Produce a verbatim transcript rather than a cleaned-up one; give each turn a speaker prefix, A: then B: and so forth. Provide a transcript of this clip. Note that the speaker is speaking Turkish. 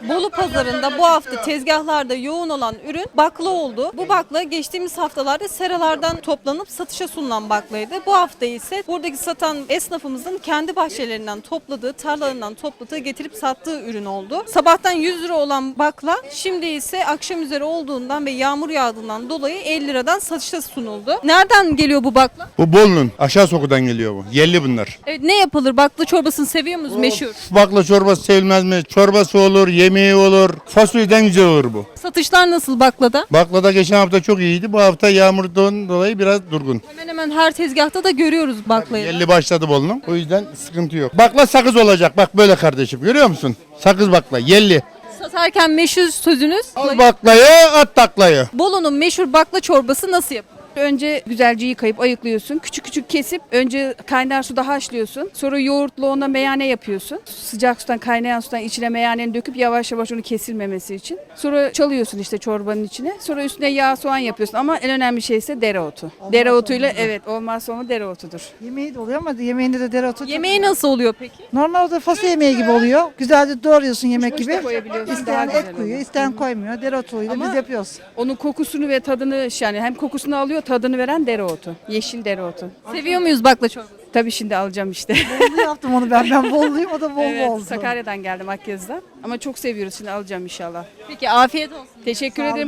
A: Bolu pazarında bu hafta tezgahlarda yoğun olan ürün bakla oldu. Bu bakla geçtiğimiz haftalarda seralardan toplanıp satışa sunulan baklaydı. Bu hafta ise buradaki satan esnafımızın kendi bahçelerinden topladığı, tarlalarından topladığı, getirip sattığı ürün oldu. Sabahtan yüz lira olan bakla şimdi ise akşam üzeri olduğundan ve yağmur yağdığından dolayı elli liradan satışa sunuldu. Nereden geliyor bu bakla?
B: Bu Bolu'nun aşağı sokudan geliyor bu. Yerli bunlar.
A: Evet, ne yapılır? Bakla çorbasını seviyor musunuz? Meşhur.
B: Bakla çorbası sevilmez mi? Çorbası olur, yemeği olur. Fasulyeden güzel olur bu.
A: Satışlar nasıl baklada?
B: Baklada geçen hafta çok iyiydi. Bu hafta yağmurdan dolayı biraz durgun.
A: Hemen hemen her tezgahta da görüyoruz baklayı.
B: Yerli başladı Bolu'nun. O yüzden sıkıntı yok. Bakla sakız olacak. Bak böyle kardeşim. Görüyor musun? Sakız bakla. Yerli.
A: Satarken meşhur sözünüz.
B: Al baklayı, at taklayı.
A: Bolu'nun meşhur bakla çorbası nasıl yapılır?
C: Önce güzelce yıkayıp ayıklıyorsun. Küçük küçük kesip önce kaynar suda haşlıyorsun. Sonra yoğurtla ona meyane yapıyorsun. Sıcak sudan kaynayan sudan içine meyaneni döküp yavaş yavaş onu kesilmemesi için. Sonra çalıyorsun işte çorbanın içine. Sonra üstüne yağ soğan yapıyorsun ama en önemli şey ise dereotu. Dereotuyla evet olmazsa olmaz dereotudur.
D: Yemeği de oluyor ama yemeğinde de dereotu.
A: Yemeği nasıl oluyor peki?
D: Normalde fasulye yemeği gibi oluyor. Güzelce doğruyorsun yemek
C: Kuşbaşı
D: gibi.
C: da koyabiliyorsun, daha
D: İsteyen
C: güzel
D: et koyuyor,
C: oluyor.
D: isteyen koymuyor. Dereotuyla
C: Ama-
D: biz yapıyoruz.
C: Onun kokusunu ve tadını yani hem kokusunu alıyor tadını veren dereotu. Yeşil dereotu.
A: Seviyor muyuz bakla çorbası?
C: Tabii şimdi alacağım işte.
D: Bolu yaptım onu ben. Ben Boluluyum, o da Bolu
C: Evet,
D: oldu.
C: Sakarya'dan geldim Akyaz'dan. Ama çok seviyoruz şimdi alacağım inşallah.
A: Peki afiyet olsun.
C: Teşekkür
D: Sağ olun,
C: ederim.